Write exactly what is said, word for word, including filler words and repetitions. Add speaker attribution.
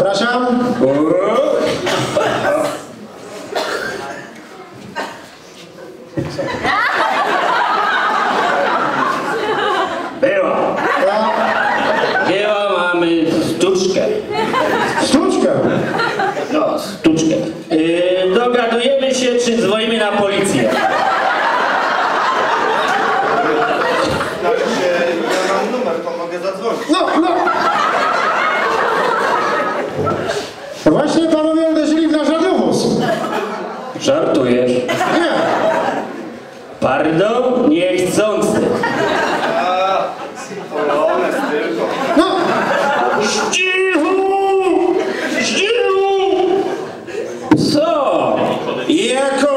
Speaker 1: Zapraszam.
Speaker 2: Była. Była, mamy sztuczkę.
Speaker 1: Sztuczkę?
Speaker 2: No, sztuczkę. Yy, dogadujemy się, czy dzwonimy na policję.
Speaker 3: Znaczy się, ja mam numer, to mogę zadzwonić.
Speaker 1: No, no. Właśnie panowie uderzyli w nasz radiowóz.
Speaker 2: Żartujesz?
Speaker 1: Nie.
Speaker 2: Pardon? Niechcący.
Speaker 3: A, polonez tylko.
Speaker 1: No.
Speaker 2: Zdziwu! Zdziwu! Co?
Speaker 1: Jako